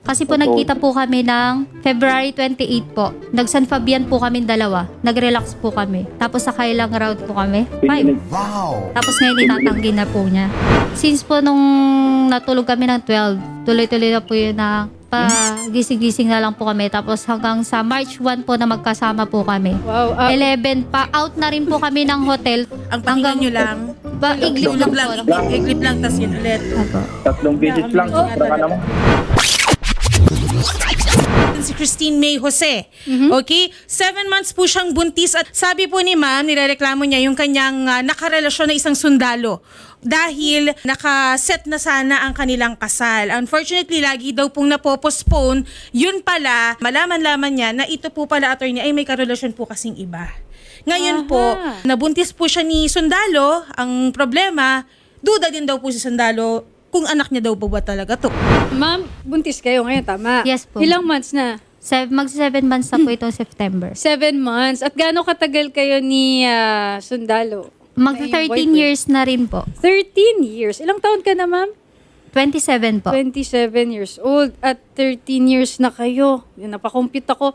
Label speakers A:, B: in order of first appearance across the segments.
A: Kasi po nagkita po kami ng February 28 po. Nag-San Fabian po kami dalawa. Nag-relax po kami. Tapos sa Kailang Road po kami. 5.
B: Wow!
A: Tapos ngayon itatanggi na po niya. Since po nung natulog kami ng 12, tuloy-tuloy na po yun na gising-gising na lang po kami. Tapos hanggang sa March 1 po na magkasama po kami.
C: Wow.
A: 11 pa, out na rin po kami ng hotel.
D: Ang pahinga nyo lang.
A: Iglip lang po.
D: Iglip lang, tas yun ulit.
A: Apo.
B: 3 beses lang. Sobra ka naman.
D: Si Christine May Jose. Okay? 7 months po siyang buntis at sabi po ni ma'am, nirereklamo niya yung kanyang nakarelasyon na isang sundalo dahil nakaset na sana ang kanilang kasal. Unfortunately, lagi daw pong napopostpone. Yun pala, malaman-laman niya na ito po pala, attorney, ay may karelasyon po kasing iba. Ngayon po, nabuntis po siya ni sundalo. Ang problema, duda din daw po si sundalo kung anak niya daw po ba talaga to.
C: Ma'am, buntis kayo ngayon, tama?
A: Yes po.
C: Ilang months na?
A: Mag-7 months na po itong September.
C: 7 months. At gaano katagal kayo ni Sundalo?
A: Mag-13 years na rin po.
C: 13 years. Ilang taon ka na, ma'am?
A: 27 po.
C: 27 years old. At 13 years na kayo. Napakompute ako.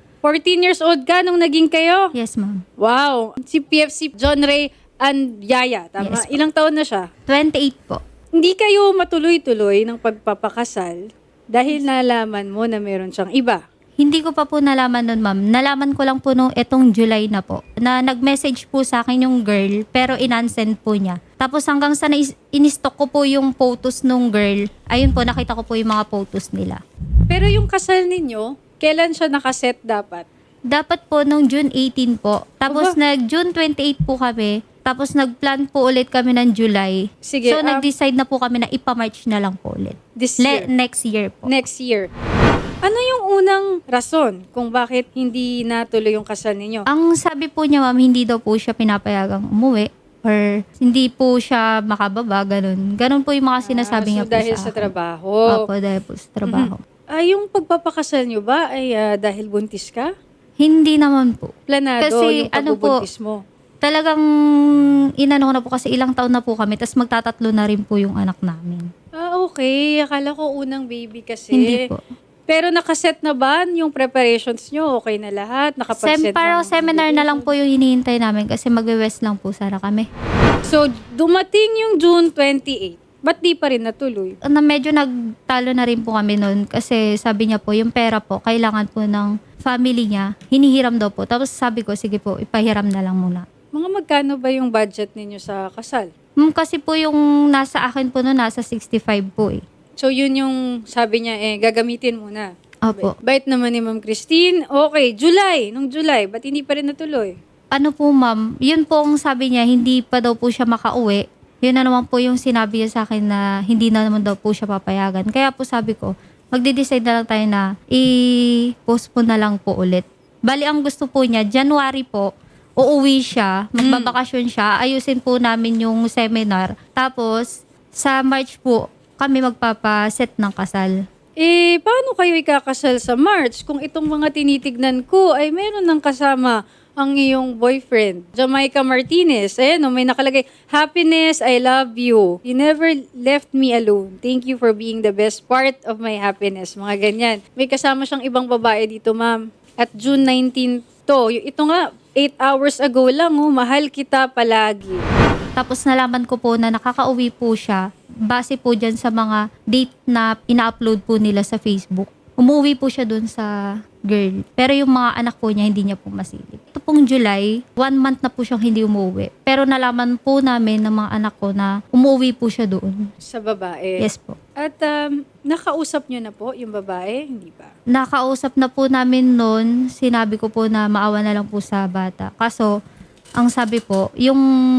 C: 14 years old ka nung naging kayo?
A: Yes, ma'am.
C: Wow. Si PFC John Ray and Yaya, tama?
A: Yes po.
C: Ilang taon na siya?
A: 28 po.
C: Hindi kayo matuloy-tuloy ng pagpapakasal dahil nalaman mo na meron siyang iba.
A: Hindi ko pa po nalaman nun, ma'am. Nalaman ko lang po nung etong July na po, na nag-message po sa akin yung girl, pero inansend po niya. Tapos hanggang sa in-stock ko po yung photos nung girl, ayun po, nakita ko po yung mga photos nila.
C: Pero yung kasal ninyo, kailan siya nakaset dapat?
A: Dapat po nung June 18 po. Tapos
C: Aba.
A: nag-June 28 po kami. Tapos nag-plan po ulit kami ng July.
C: Sige,
A: So nag-decide na po kami na ipa-March na lang po ulit.
C: This year?
A: Next year po.
C: Next year. Ano yung unang rason kung bakit hindi natuloy yung kasal ninyo?
A: Ang sabi po niya, ma'am, hindi daw po siya pinapayagang umuwi or hindi po siya makababa, ganun. Ganun po yung mga sinasabi niya po
C: dahil
A: sa
C: sa
A: akin.
C: trabaho.
A: Opo, dahil po sa trabaho.
C: Yung pagpapakasal nyo ba ay dahil buntis ka?
A: Hindi naman po.
C: Planado
A: Kasi
C: yung
A: ano po,
C: pagbubuntis mo?
A: talagang inano ko na po kasi ilang taon na po kami, tapos magtatatlo na rin po yung anak namin.
C: Okay. Akala ko unang baby kasi.
A: Hindi po.
C: Pero nakaset na ba yung preparations nyo? Okay na lahat? Nakapag-set
A: Parang
C: ng
A: seminar na lang
C: invitation?
A: po yung hinihintay namin kasi magwe-west lang po sana kami.
C: So, dumating yung June 28. Ba't di pa rin natuloy?
A: Na medyo nagtalo na rin po kami noon kasi sabi niya po yung pera po kailangan po ng family niya, hinihiram daw po. Tapos sabi ko, sige po, ipahiram na lang muna.
C: Mga magkano ba yung budget ninyo sa kasal?
A: Kasi po yung nasa akin po noon, nasa 65 po eh.
C: So, yun yung sabi niya, gagamitin muna.
A: Opo.
C: Bait naman ni Ma'am Christine. Okay, nung July, ba't hindi pa rin natuloy?
A: Ano po ma'am, yun po ang sabi niya, hindi pa daw po siya makauwi. Yun na naman po yung sinabi niya sa akin na hindi na naman daw po siya papayagan. Kaya po sabi ko, magde-decide na lang tayo na i-postpone na lang po ulit. Bali, ang gusto po niya, January po, uuwi siya, magbabakasyon siya, ayusin po namin yung seminar. Tapos, sa March po, kami magpapaset ng kasal.
C: Paano kayo ikakasal sa March kung itong mga tinitignan ko ay meron ng kasama ang iyong boyfriend, Jamaica Martinez? Ayan, may nakalagay, happiness, I love you. You never left me alone. Thank you for being the best part of my happiness. Mga ganyan. May kasama siyang ibang babae dito, ma'am. At June 19 to. Ito nga, 8 hours ago lang, mahal kita palagi.
A: Tapos nalaman ko po na nakakauwi po siya base po dyan sa mga date na ina-upload po nila sa Facebook. Umuwi po siya dun sa girl. Pero yung mga anak po niya, hindi niya po masilip. Ito pong July, 1 month na po siyang hindi umuwi. Pero nalaman po namin ng mga anak ko na umuwi po siya doon.
C: Sa babae.
A: Yes po.
C: At nakausap niyo na po yung babae? Hindi pa.
A: Nakausap na po namin noon, sinabi ko po na maawa na lang po sa bata. Kaso, ang sabi po, yung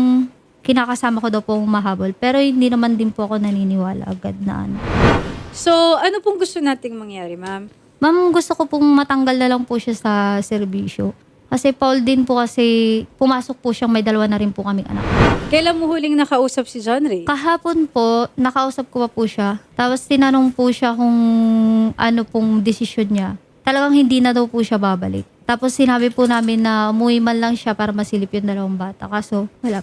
A: kinakasama ko daw po mahabol. Pero hindi naman din po ako naniniwala agad na ano.
C: So, ano pong gusto nating mangyari, ma'am?
A: Ma'am, gusto ko pong matanggal na lang po siya sa serbisyo. Kasi Paul din po kasi pumasok po siyang may 2 na rin po kaming anak.
C: Kailan mo huling nakausap si John Ray?
A: Kahapon po, nakausap ko pa po siya. Tapos tinanong po siya kung ano pong desisyon niya. Talagang hindi na daw po siya babalik. Tapos sinabi po namin na umuwi man lang siya para masilip yung 2 bata. Kaso wala po.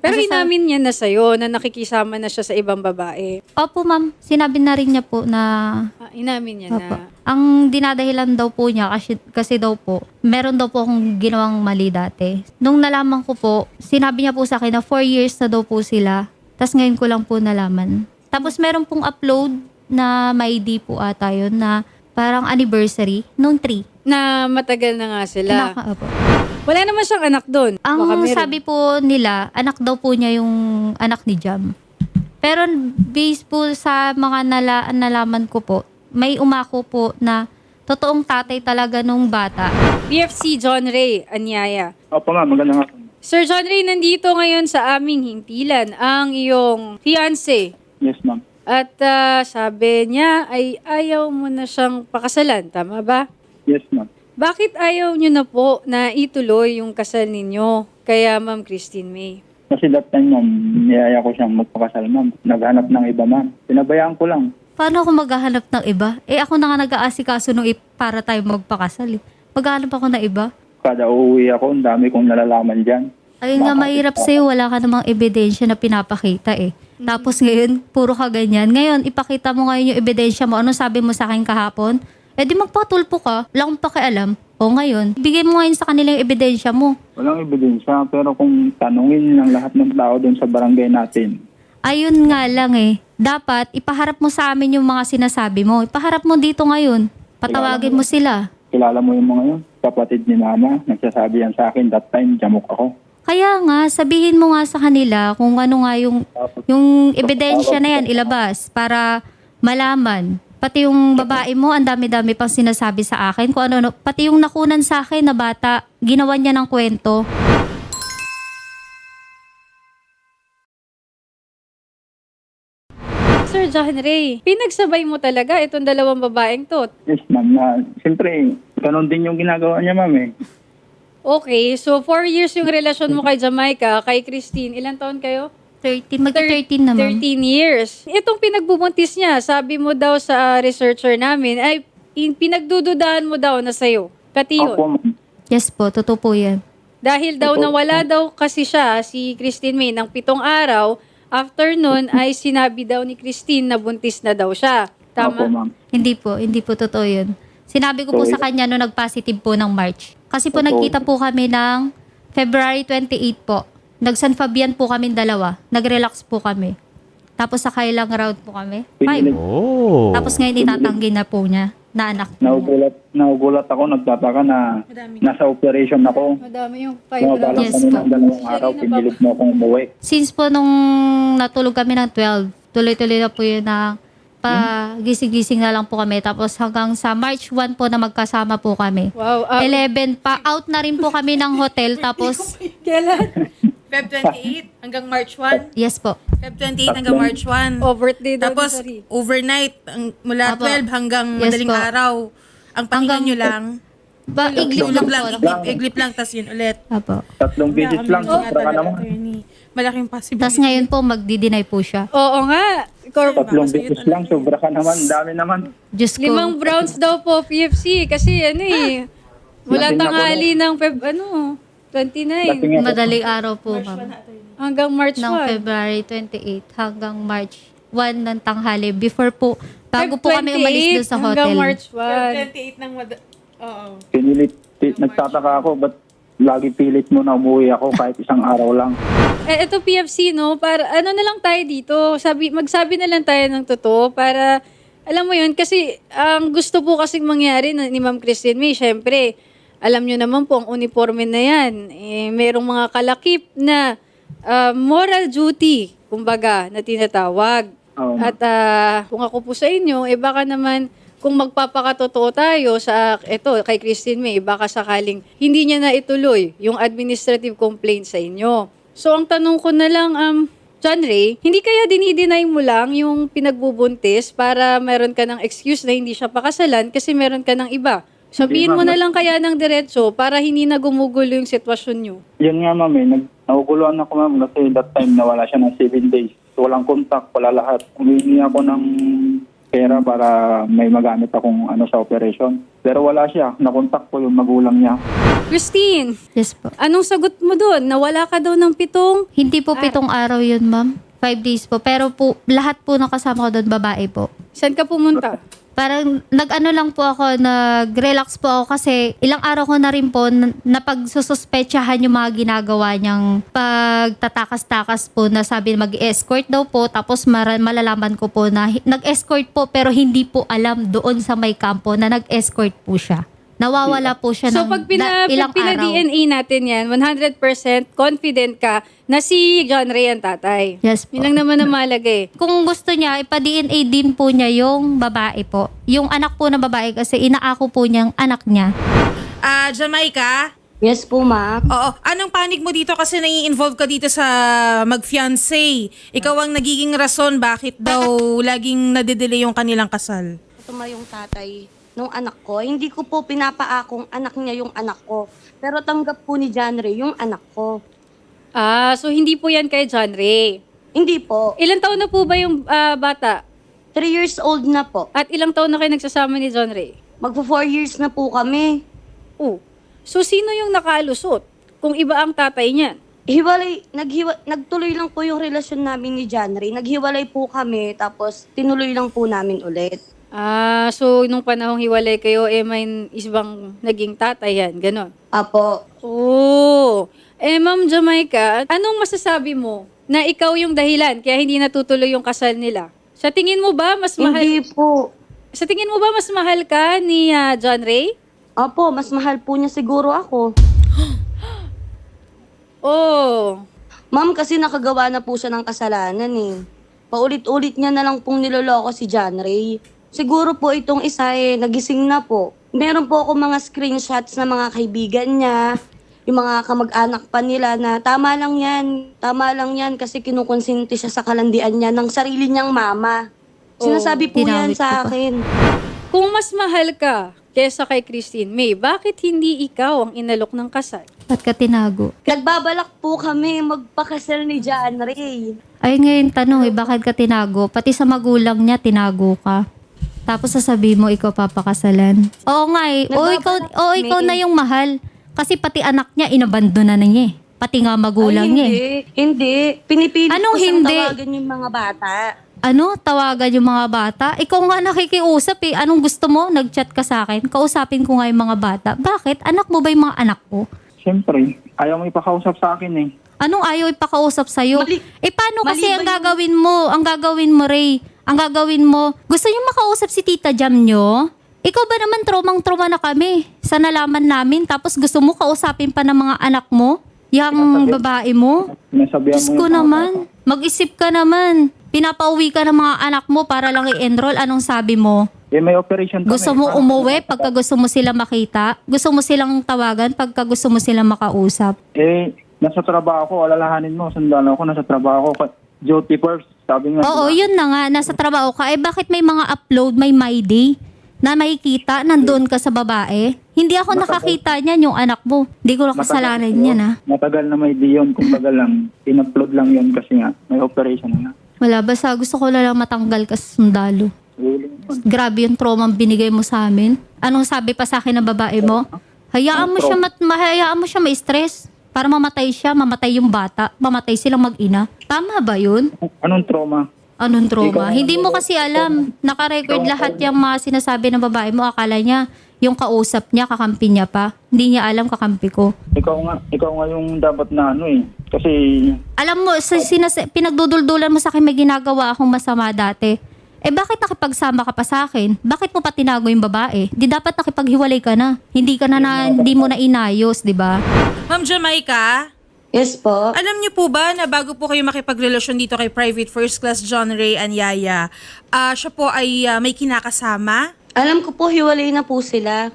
C: Pero
A: Kasi
C: inamin niya na sa'yo na nakikisama na siya sa ibang babae.
A: Opo, ma'am. Sinabi na rin niya po na
C: Inamin niya
A: Opo.
C: na.
A: Ang dinadahilan daw po niya kasi daw po, meron daw po akong ginawang mali dati. Nung nalaman ko po, sinabi niya po sa akin na 4 years na daw po sila. Tapos ngayon ko lang po nalaman. Tapos meron pong upload na may ID po ata yun na parang anniversary nung 3.
C: Na matagal na nga sila.
A: Opo.
C: Wala naman siyang anak doon. Baka
A: Ang
C: meron.
A: sabi po nila, anak daw po niya yung anak ni Jam. Pero based po sa mga nalaman ko po, may umako po na totoong tatay talaga nung bata.
C: PFC John Ray Anyaya.
B: Opo ma'am, magandang hapon.
C: Sir John Ray, nandito ngayon sa aming hintilan ang iyong fiancé.
B: Yes ma'am.
C: At sabi niya ay ayaw mo na siyang pakasalan. Tama ba?
B: Yes ma'am.
C: Bakit ayaw niyo na po na ituloy yung kasal ninyo? Kaya Ma'am Christine May.
B: Kasi that time ma'am, niyaya ko siyang magpakasal ma'am. Naghanap ng iba ma'am. Pinabayaan ko lang.
A: Paano ako maghahanap ng iba? Ako na nga nag-aasikaso nung para tayo magpakasal. Maghahanap ako ng iba.
B: Kada uuwi ako, ang dami kong nalalaman dyan.
A: Ayun nga, mahirap sa'yo. Wala ka namang ebidensya na pinapakita Tapos ngayon, puro ka ganyan. Ngayon, ipakita mo ngayon yung ebidensya mo. Ano sabi mo sa akin kahapon? Di magpatulpo ka. Wala akong pakialam. O ngayon, bigay mo ngayon sa kanila yung ebidensya mo.
B: Walang ebidensya, pero kung tanungin ng lahat ng tao doon sa barangay natin,
A: Ayun nga lang Dapat, ipaharap mo sa amin yung mga sinasabi mo. Ipaharap mo dito ngayon. Patawagin mo sila.
B: kilala mo yung mga yun. Kapatid ni mama, nagsasabi yan sa akin, that time, jamok ako.
A: Kaya nga, sabihin mo nga sa kanila kung ano nga yung ebidensya na yan ilabas para malaman. Pati yung babae mo, ang dami-dami pang sinasabi sa akin. Kung ano, pati yung nakunan sa akin na bata, ginawa niya ng kwento.
C: Sir John Ray, pinagsabay mo talaga itong dalawang babaeng to.
B: Yes ma'am, na siyempre, ganun din yung ginagawa niya ma'am eh.
C: Okay, so 4 years yung relasyon mo kay Jamaica, kay Christine. Ilan taon kayo?
A: 13, magti-13 na ma'am.
C: 13 years. Itong pinagbubuntis niya, sabi mo daw sa researcher namin, ay pinagdududahan mo daw na sa'yo. Pati yun.
B: Opo ma'am.
A: Yes po, totoo po yan.
C: Dahil daw nawala daw kasi siya, si Christine May, ng 7 araw, after nun ay sinabi daw ni Christine na buntis na daw siya.
B: Opo
C: Tama?
B: ma'am.
A: Hindi po totoo yun. Sinabi ko po sa kanya no nag-positive po ng March. Kasi po
B: Totoo.
A: nagkita po kami ng February 28 po. Nag-San Fabian po kami dalawa. Nag-relax po kami. Tapos sa kailang round po kami. 5.
B: Pinilit,
A: Tapos ngayon itatanggi na po niya na anak po niya.
B: naugulat ako, nagtataka na nasa operation ako.
C: Madami yung 5
B: Sumabalang
A: Yes
B: kami
A: po.
B: ng 2 araw, pinilit mo akong umuwi.
A: Since po nung natulog kami ng 12, tuloy-tuloy na po yun na gising-gising na lang po kami. Tapos hanggang sa March 1 po na magkasama po kami.
C: Wow.
A: 11 pa, out na rin po kami ng hotel. Tapos,
C: Kailan?
D: Feb 28 hanggang March 1.
A: yes po.
D: Feb 28 hanggang March 1.
C: Oh, birthday daw
D: Tapos,
C: ni Sari.
D: overnight, mula
A: Apo.
D: 12 hanggang
A: Yes
D: madaling
A: po.
D: araw. Ang pahinga
A: Hanggang-
D: nyo lang.
A: Iglip lang po.
D: Iglip lang, tas yun ulit.
A: Apo.
B: 3 visit lang, sobra ka naman.
D: Malaking possibility.
A: Tapos ngayon po, magdi-deny po siya.
C: Oo nga.
B: 3 visit lang, sobra ka naman, dami naman.
A: Diyos ko.
C: 5 browns daw po, PFC. Kasi mula
B: Lasing ako
C: tanghali ng 29
B: Lasing ako.
A: Madaling araw po, ma'am.
C: hanggang March
A: Ng
C: 1.
A: February 28 hanggang March 1 ng tanghali. Before po, bago po kami
C: 28
A: umalis doon sa
C: hanggang
A: hotel.
C: March 1.
D: 28 ng Oo.
B: Pinilit, nagtataka ako, ba't lagi pilit mo na umuwi ako kahit isang araw lang.
C: Ito PFC, no? Para, ano na lang tayo dito? Magsabi na lang tayo ng totoo para, alam mo yun, kasi ang gusto po kasing mangyari ni Ma'am Christine May, syempre, alam nyo naman po, ang uniforme na yan, merong mga kalakip na moral duty, kumbaga, na tinatawag.
B: Oo, ma'am.
C: At kung ako po sa inyo, baka naman, kung magpapakatotoo tayo sa kay Christine May, baka sakaling hindi niya na ituloy yung administrative complaint sa inyo. So ang tanong ko na lang, John Ray, hindi kaya dinideny mo lang yung pinagbubuntis para meron ka ng excuse na hindi siya pakasalan kasi meron ka ng iba? Sabihin mo na lang kaya ng diretso para hindi na gumugulo yung sitwasyon nyo.
B: Yan nga ma'am, nahuguluhan ako ma'am kasi that time nawala siya ng 7 days. So, walang contact, wala lahat. Humingi ako ng pera para may magamit akong sa operation. Pero wala siya. Nakontak ko yung magulang niya.
C: Christine,
A: Yes po.
C: anong sagot mo doon? Nawala ka daw ng 7?
A: Hindi po 7 araw yun, ma'am. 5 days po. Pero po, lahat po nakasama ko doon, babae po.
C: Saan ka pumunta?
A: Parang nag-ano lang po ako, nag-relax po ako kasi ilang araw ko na rin po napagsususpetsahan yung mga ginagawa niyang pagtatakas-takas po na sabi mag-escort daw po, tapos malalaman ko po na nag-escort po pero hindi po alam doon sa may kampo na nag-escort po siya. Nawawala po siya
C: So
A: ng
C: pag
A: ilang araw.
C: pina-DNA natin yan, 100% confident ka na si John Ray ang tatay.
A: Yes po.
C: Yun lang naman ang mahalaga eh.
A: Kung gusto niya, ipa-DNA din po niya yung babae po. Yung anak po na babae kasi inaako po niyang anak niya.
D: Jamaica?
E: Yes po, ma'am.
D: Oo. Anong panig mo dito kasi nai-involve ka dito sa mag-fiancé? Ikaw ang nagiging rason bakit daw laging nade-delay yung kanilang kasal.
E: Ito ma yung tatay nung anak ko. Hindi ko po pinapaakong anak niya yung anak ko. Pero tanggap po ni John Ray yung anak ko.
C: So hindi po yan kay John Ray.
E: Hindi po.
C: Ilang taon na po ba yung bata?
E: 3 years old na po.
C: At ilang taon na kayo nagsasama ni John Ray?
E: Magpo 4 years na po kami.
C: Oh. So sino yung nakalusot kung iba ang tatay niyan?
E: Nagtuloy lang po yung relasyon namin ni John Ray. Naghiwalay po kami, tapos tinuloy lang po namin ulit.
C: So nung panahong hiwalay kayo, may isang naging tatay yan, ganon.
E: Apo.
C: Oh. Ma'am Jamaica, anong masasabi mo na ikaw yung dahilan kaya hindi natutuloy yung kasal nila? Sa tingin mo ba mas mahal?
E: Hindi po.
C: Sa tingin mo ba mas mahal ka ni John Ray?
E: Apo, mas mahal po niya siguro ako.
C: Oh.
E: Ma'am, kasi nakagawa na po siya ng kasalanan eh. Paulit-ulit niya na lang pong niloloko si John Ray. Siguro po itong isa nagising na po. Meron po ako mga screenshots na mga kaibigan niya, yung mga kamag-anak pa nila na tama lang yan kasi kinukonsinti siya sa kalandian niya ng sarili niyang mama. Sinasabi po yan
A: tinawit ko
E: sa
A: pa.
E: akin.
C: Kung mas mahal ka kesa kay Christine May, bakit hindi ikaw ang inalok ng kasal?
A: Ba't ka tinago?
E: Nagbabalak po kami magpakasal ni John Ray.
A: Ay ngayon tanong bakit ka tinago? Pati sa magulang niya, tinago ka. Tapos sasabihin mo, ikaw papakasalan. Oo nga ikaw na yung mahal. Kasi pati anak niya, inabandona na niya eh. Pati nga magulang
E: Ay,
A: niya eh.
E: Hindi. Pinipilit
A: Anong
E: ko siyang
A: hindi?
E: tawagan yung mga bata.
A: Tawagan yung mga bata? Ikaw nga nakikiusap eh. Anong gusto mo? Nag-chat ka sa akin. Kausapin ko nga yung mga bata. Bakit? Anak mo ba yung mga anak ko?
B: Siyempre, ayaw mo ipakausap sa akin eh.
A: Anong ayaw ipakausap sa'yo?
E: Mali-
A: Paano kasi
E: mali
A: ang
E: ba
A: gagawin mo? Ang gagawin mo, Ray? Ang gagawin mo? Gusto niyo makausap si Tita Jam nyo? Ikaw ba naman tromang-troma na kami sa nalaman namin tapos gusto mo kausapin pa ng mga anak mo? Yang babae mo?
B: Sinasabihan
A: Diyos
B: mo
A: ko
B: yung
A: naman. Mag-isip ka naman. Pinapauwi ka ng mga anak mo para lang i-enroll. Anong sabi mo?
B: may operation kami.
A: Gusto mo umuwi pagka gusto mo sila makita? Gusto mo silang tawagan pagka gusto mo silang makausap?
B: Nasa trabaho ko, alalahanin mo, sandalo ako, nasa trabaho ko. Duty first, sabi nga.
A: Oo, yun na nga. Nasa trabaho ka. Bakit may mga upload, may My Day na makikita, nandoon ka sa babae? Hindi ako nakakita niyan, yung anak mo. Hindi ko nakasalanan niyan, ha?
B: Matagal na may di yun, kumbaga lang, in-upload lang yun kasi nga, may operation nga.
A: Wala, basta gusto ko lang matanggal ka sa sundalo. Grabe yung trauma ang binigay mo sa amin. Anong sabi pa sa akin ng babae mo? Hayaan mo siya ma-stress. Para mamatay siya, mamatay yung bata, mamatay silang mag-ina. Tama ba yun?
B: Anong trauma?
A: Anong trauma? Hindi mo kasi alam. Naka-record lahat yung mga sinasabi ng babae mo. Akala niya, yung kausap niya, kakampi niya pa. Hindi niya alam kakampi ko.
B: Ikaw nga yung dapat na kasi
A: Alam mo, pinagduduldulan mo sa akin may ginagawa akong masama dati. Bakit nakipagsama ka pa sa akin? Bakit mo pa tinago yung babae? Di dapat nakipaghiwalay ka na. Hindi mo na inayos, di ba?
D: Ma'am Jamaica,
E: Yes po.
D: alam niyo po ba na bago po kayo makipagrelasyon dito kay Private First Class John Ray Anyaya, siya po ay may kinakasama?
E: Alam ko po, hiwalay na po sila.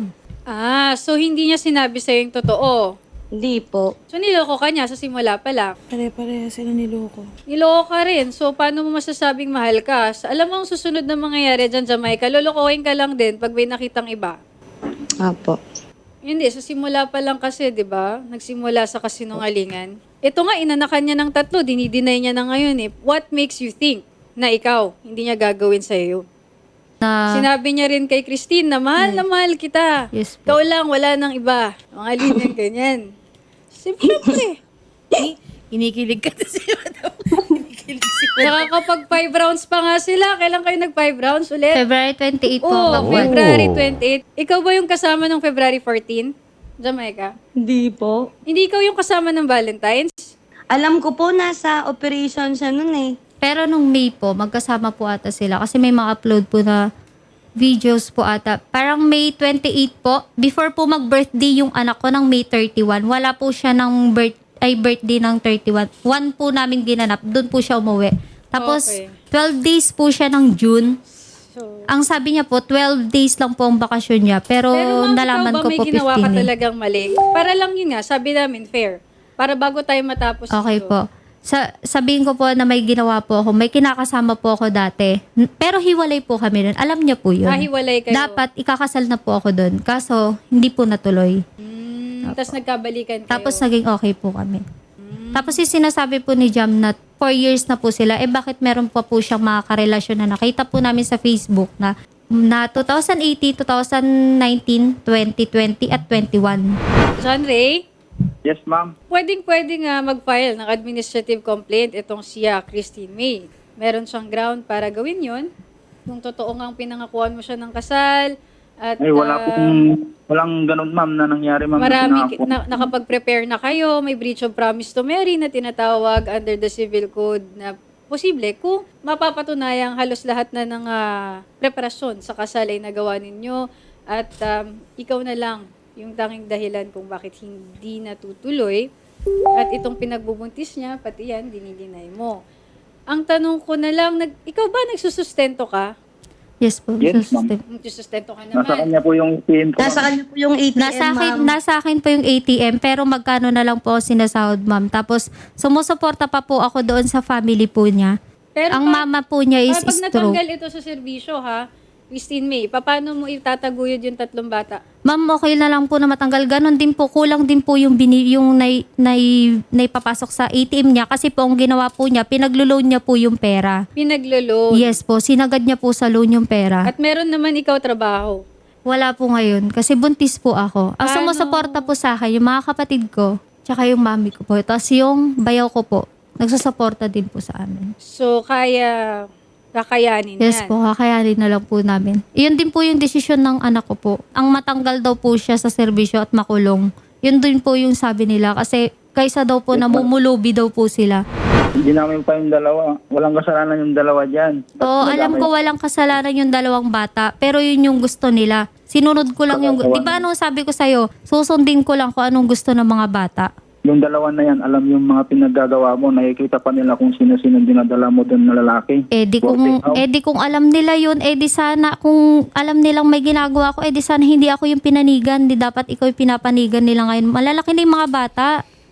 C: So hindi niya sinabi sa'yo yung totoo.
E: Hindi po.
C: So niloko ka niya sa simula pa lang.
D: Pare-pareha sila niloko.
C: Niloko ka rin. So paano mo masasabing mahal ka? Alam mo ang susunod na mangyayari dyan, Jamaica, lolokohin ka lang din pag may nakitang iba.
E: Apo.
C: Hindi, sa simula pa lang kasi, di ba? Nagsimula sa kasinungalingan. Ito nga, inanakan niya ng 3, dinideny niya na ngayon eh. What makes you think na ikaw, hindi niya gagawin sa'yo yun?
A: na...
C: Sinabi niya rin kay Christine na mahal kita.
A: Yes po.
C: Ikaw lang, wala nang iba. Mga linya ganyan. Siyempre.
D: Kinikilig ka na si Madam. Kinikilig si
C: Nakakapag 5 rounds pa nga sila. Kailan kayo nag 5 rounds ulit?
A: February 28 po.
C: Oo,
A: ang
C: February 28. Ikaw ba yung kasama ng February 14? Jamaica?
E: Hindi po.
C: Hindi ikaw yung kasama ng Valentine's?
E: Alam ko po, nasa operation siya nun eh.
A: Pero nung May po, magkasama po ata sila. Kasi may mga upload po na videos po ata. Parang May 28 po. Before po mag-birthday yung anak ko ng May 31. Wala po siya ng birthday ng 31. One po namin ginanap. Doon po siya umuwi. Tapos,
C: Okay.
A: 12 days po siya ng June.
C: So,
A: Ang sabi niya po, 12 days lang po ang bakasyon niya. Pero,
C: ma'am,
A: nalaman
C: ikaw ba
A: ko
C: may
A: po
C: ginawa ka
A: 15 eh.
C: talagang mali? Para lang yun nga, sabi namin, fair. Para bago tayo matapos
A: Okay
C: ito.
A: po. Sabihin ko po na may ginawa po ako. May kinakasama po ako dati. Pero hiwalay po kami nun. Alam niya po yun.
C: Hiwalay kayo.
A: Dapat ikakasal na po ako doon. Kaso, hindi po natuloy.
C: Tapos nagkabalikan kayo.
A: Tapos naging okay po kami. Tapos yung sinasabi po ni Jam na 4 years na po sila, bakit meron pa po siyang mga karelasyon na nakita po namin sa Facebook na 2018, 2019, 2020 at 21.
C: John Ray,
B: Yes, ma'am.
C: pwedeng nga mag-file ng administrative complaint itong siya, Christine May. Meron siyang ground para gawin yon. Kung totoo nga pinangakuan mo siya ng kasal, at
B: Ay, walang ganun, ma'am, na nangyari, ma'am.
C: marami, nakapag-prepare na kayo, may breach of promise to marry na tinatawag under the civil code na posible kung mapapatunayang halos lahat na ng preparasyon sa kasal ay nagawa ninyo at ikaw na lang yung tanging dahilan kung bakit hindi natutuloy at itong pinagbubuntis niya, pati yan, dinidinay mo. Ang tanong ko na lang, ikaw ba nagsusustento ka?
A: Yes po.
B: Yes, ma'am.
C: Nagsusustento ka naman.
B: Nasa kanya po yung ATM ko,
E: Nasa
B: ma'am.
E: kanya po yung ATM, ma'am.
A: Nasa akin po yung ATM, pero magkano na lang po sinasahod, ma'am. Tapos, sumusuporta pa po ako doon sa family po niya.
C: Pero
A: Ang mama po niya is
C: pag
A: stroke.
C: natanggal ito sa serbisyo, ha, Christine May, paano mo itataguyod yung 3 bata?
A: Ma'am, okay na lang po na matanggal. Ganon din po, kulang din po yung, naipapasok sa ATM niya. Kasi po, ang ginawa po niya, pinaglo-loan niya po yung pera.
C: Pinagloloan.
A: Yes po, sinagad niya po sa loan yung pera.
C: At meron naman ikaw trabaho.
A: Wala po ngayon, kasi buntis po ako. Ang
C: Ano?
A: sumusuporta po sa akin, yung mga kapatid ko, tsaka yung mami ko po. Tapos yung bayaw ko po, nagsusuporta din po sa amin.
C: So, kakayanin
A: Yes
C: yan.
A: po, kakayanin na lang po namin. Iyon din po yung desisyon ng anak ko po. Ang matanggal daw po siya sa serbisyo at makulong. Yun din po yung sabi nila. Kasi kaysa daw po namumulubi daw po sila.
B: Hindi namin pa yung dalawa. Walang kasalanan yung dalawa dyan.
A: Oo, alam ko walang kasalanan yung 2 bata. Pero yun yung gusto nila. Sinunod ko lang yung... Di ba anong sabi ko sa'yo? Susundin ko lang kung anong gusto ng mga bata.
B: Yung dalawa na yan, alam yung mga pinaggagawa mo, nakikita pa nila kung sino-sino dinadala mo doon na lalaki.
A: Di kung alam nila yun, di sana, kung alam nilang may ginagawa ko, di sana hindi ako yung pinanigan, di dapat ikaw yung pinapanigan nila ngayon. Malalaki na yung mga bata.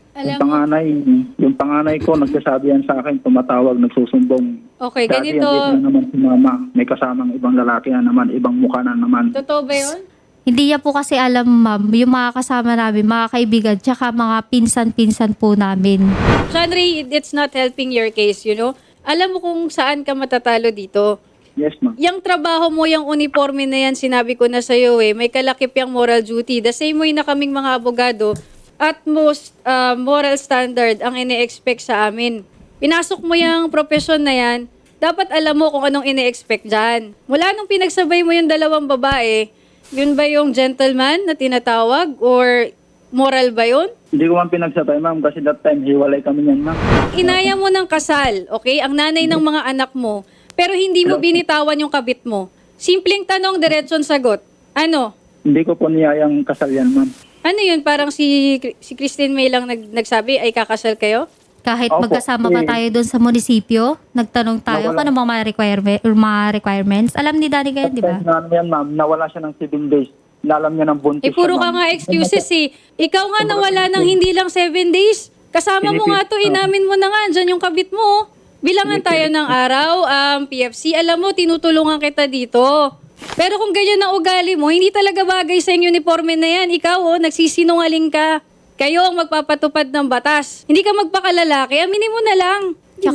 B: Yung panganay ko, nagsasabi yan sa akin, tumatawag, nagsusumbong.
C: Okay,
B: Dati
C: ganito.
B: yan, na naman si mama, may kasamang ibang lalaki na naman, ibang mukha na naman.
C: Totoo ba yun?
A: Hindi niya po kasi alam, ma'am, yung mga kasama namin, mga kaibigan, tsaka mga pinsan-pinsan po namin.
C: John Ray, it's not helping your case, you know? Alam mo kung saan ka matatalo dito.
B: Yes, ma'am.
C: Yung trabaho mo, yung uniforme na yan, sinabi ko na sa'yo may kalakip yung moral duty. The same way na kaming mga abogado, utmost moral standard ang ine-expect sa amin. Pinasok mo yung profesyon na yan, dapat alam mo kung anong ine-expect dyan. Mula nung pinagsabay mo yung 2 babae, yun ba yung gentleman na tinatawag or moral ba yun?
B: Hindi ko man pinagsabay, ma'am, kasi that time, hiwalay kami niyan, ma'am.
C: Inaya mo ng kasal, okay? Ang nanay ng mga anak mo, pero hindi mo binitawan yung kabit mo. Simpleng tanong, diretsong sagot. Ano?
B: Hindi ko po niyayang kasal yan, ma'am.
C: Ano yun? Parang si Christine May lang nagsabi, ay kakasal kayo?
A: Kahit
B: Opo,
A: magkasama pa tayo doon sa munisipyo, nagtanong tayo kung ano mga requirements. Alam ni Danny kayo, di ba?
B: Ano yan, ma'am, nawala siya ng 7 days. Nalam niya ng buntis.
C: Puro
B: siya,
C: ka
B: ma'am.
C: nga excuses eh. Ikaw nga nawala ng hindi lang 7 days. Kasama mo nga to, inamin mo na nga, andyan yung kabit mo. Bilangan tayo ng araw, PFC, alam mo, tinutulungan kita dito. Pero kung ganyan ang ugali mo, hindi talaga bagay sa yung uniforme na yan. Ikaw, nagsisinungaling ka. Kayo ang magpapatupad ng batas. Hindi ka magpakalalaki, aminin mo na lang. Diba?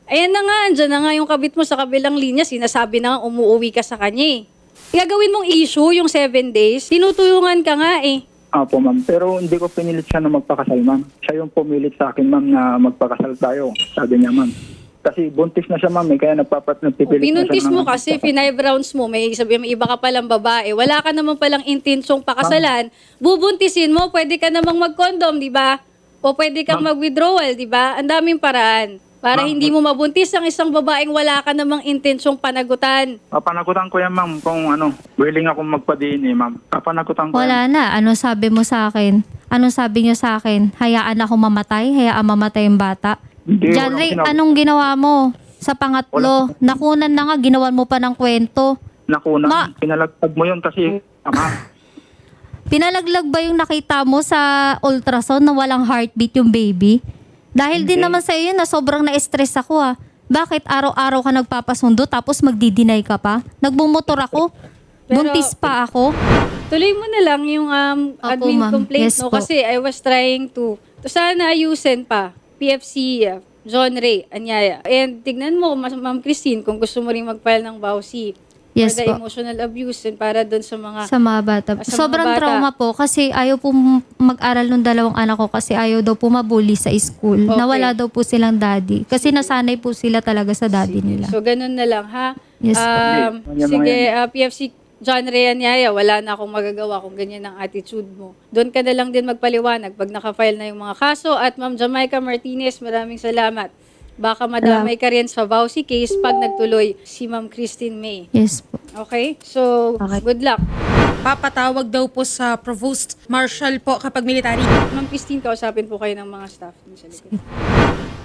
C: Ayan na nga, andyan na nga yung kabit mo sa kabilang linya. Sinasabi na nga, umuwi ka sa kanya eh. Gagawin mong issue yung 7 days. Tinutulungan ka nga eh.
B: Apo, ma'am. Pero hindi ko pinilit siya na magpakasal, ma'am. Siya yung pumilit sa akin, ma'am, na magpakasal tayo. Sabi niya, ma'am. Kasi buntis na siya, ma'am. Kaya nagpipilit
C: Pinuntis
B: na siya.
C: mo kasi, 5 rounds mo, may iba ka palang babae. Wala ka naman palang intensyong pakasalan. Bubuntisin mo, pwede ka namang mag-condom, di ba? O pwede kang mag-withdrawal, di ba? Ang daming paraan. Para hindi mo mabuntis ang isang babaeng wala ka namang intensyong panagutan.
B: Papanagutan ko yan, ma'am, kung willing akong magpa-DNA, ma'am. Papanagutan ko
A: Wala
B: yan.
A: na. Ano sabi mo sa akin? Ano sabi niyo sa akin? Hayaan ako mamatay? Hayaan mamatay yung bata?
B: Hindi,
A: John
B: walang
A: Ray,
B: sinabi.
A: anong ginawa mo? Sa pangatlo, nakunan na nga, ginawan mo pa ng kwento.
B: Nakuna, pinalagpag mo yun kasi,
A: Pinalaglag ba yung nakita mo sa ultrasound na walang heartbeat yung baby? Dahil din naman sa iyo na sobrang na-stress ako Bakit araw-araw ka nagpapasundo tapos magdi-deny ka pa? Nagmumotor ako.
C: Pero-
A: Buntis pa ako.
C: Tuloy mo na lang yung admin
A: ma'am.
C: complaint,
A: Yes
C: no?
A: po.
C: Kasi I was trying to sana ayusin pa. PFC, John Ray, Anyaya. And tignan mo, Ma'am Christine, kung gusto mo rin mag-file ng BAUC
A: Yes
C: for the
A: po.
C: emotional abuse and para doon sa mga...
A: Sa mga bata.
C: Sa mga
A: Sobrang
C: bata.
A: trauma po kasi ayaw po mag-aral ng dalawang anak ko kasi ayaw daw po mabully sa school.
C: Okay.
A: Nawala daw po silang daddy. Kasi nasanay po sila talaga sa daddy nila.
C: So, ganun na lang, ha?
A: Yes po.
C: Sige, PFC John Ray Anyaya, wala na akong magagawa kung ganyan ang attitude mo. Doon ka na lang din magpaliwanag pag nakafile na yung mga kaso. At Ma'am Jamaica Martinez, maraming salamat. Baka madamay ka rin sa VAUC case pag nagtuloy si Ma'am Christine May.
A: Yes po.
C: Okay? So, good luck.
D: Papatawag daw po sa Provost Marshal po kapag military.
C: Ma'am Christine, kausapin po kayo ng mga staff dun sa likod.